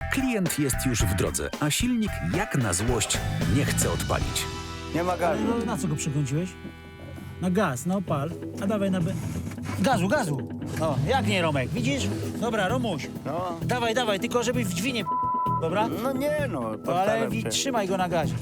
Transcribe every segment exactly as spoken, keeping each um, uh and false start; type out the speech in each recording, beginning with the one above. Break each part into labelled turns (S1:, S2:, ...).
S1: Klient jest już w drodze, a silnik jak na złość nie chce odpalić.
S2: Nie ma gazu.
S3: No, na co go przykręciłeś? Na gaz, na opal. A dawaj na... Be... Gazu, gazu! O, jak nie, Romek, widzisz? Dobra, Romuś,
S2: No,
S3: dawaj, dawaj, tylko żeby w drzwi nie... Dobra?
S2: no nie no,
S3: To, ale
S2: postaram
S3: wi-
S2: się.
S3: trzymaj go na gazie.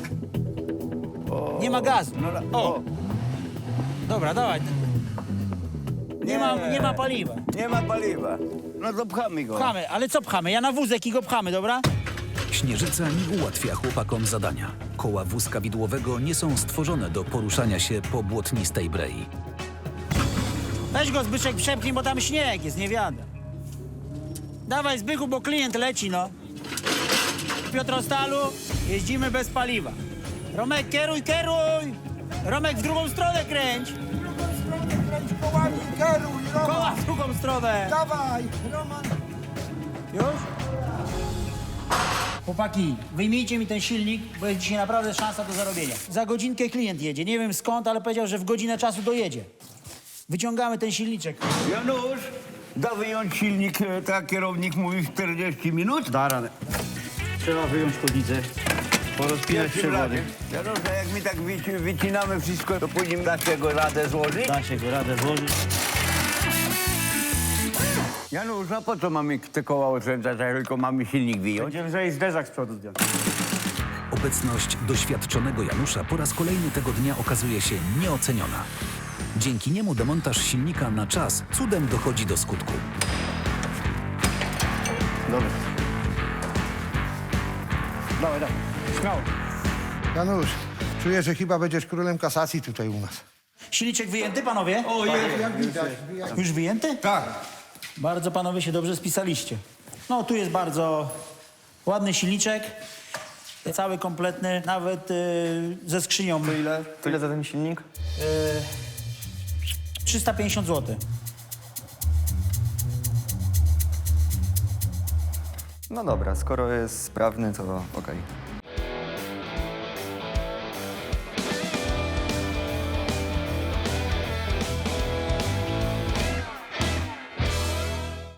S2: O,
S3: Nie ma gazu.
S2: No, la-
S3: O.
S2: o.
S3: Dobra, dawaj. Nie, ma, nie ma paliwa.
S2: Nie ma paliwa. No to pchamy go.
S3: Pchamy, ale co pchamy? Ja na wózek i go pchamy, dobra?
S1: Śnieżyca nie ułatwia chłopakom zadania. Koła wózka widłowego nie są stworzone do poruszania się po błotnistej brei.
S3: Weź go, Zbyszek, przepchnij, bo tam śnieg jest, nie wiadomo. Dawaj, Zbychu, bo klient leci, no. W Piotrostalu jeździmy bez paliwa. Romek, kieruj, kieruj! Romek, w drugą stronę kręć!
S4: Kręć kołami, kieruj, Roman!
S3: Koła w drugą stronę!
S4: Dawaj, Roman!
S3: Już? Chłopaki, wyjmijcie mi ten silnik, bo jest dzisiaj naprawdę szansa do zarobienia. Za godzinkę klient jedzie. Nie wiem skąd, ale powiedział, że w godzinę czasu dojedzie. Wyciągamy ten silniczek.
S2: Janusz, da wyjąć silnik, e, tak kierownik mówi w czterdzieści minut?
S5: Da radę. Trzeba wyjąć chłodnicę, porozpinać przewody.
S2: Janusz, a jak my tak wyci- wycinamy wszystko, to później da się go radę złożyć?
S5: Da się go radę złożyć.
S2: Janusz, a po co mamy te koła oszczędzać, jak tylko mamy silnik wyjąć?
S5: Będziemy lżej zderzak z przodu zdjąć.
S1: Obecność doświadczonego Janusza po raz kolejny tego dnia okazuje się nieoceniona. Dzięki niemu demontaż silnika na czas cudem dochodzi do skutku.
S5: Dobra. Dawaj, dawaj. Śmiało.
S4: Janusz, czuję, że chyba będziesz królem kasacji tutaj u nas.
S3: Silniczek wyjęty, panowie?
S4: O, jest, jak widać.
S3: Już wyjęty?
S4: Tak.
S3: Bardzo panowie się dobrze spisaliście. No, tu jest bardzo ładny silniczek. Cały kompletny, nawet y, ze skrzynią.
S6: To ile? To ile za ten silnik?
S3: trzysta pięćdziesiąt złotych.
S6: No dobra, skoro jest sprawny, to okej.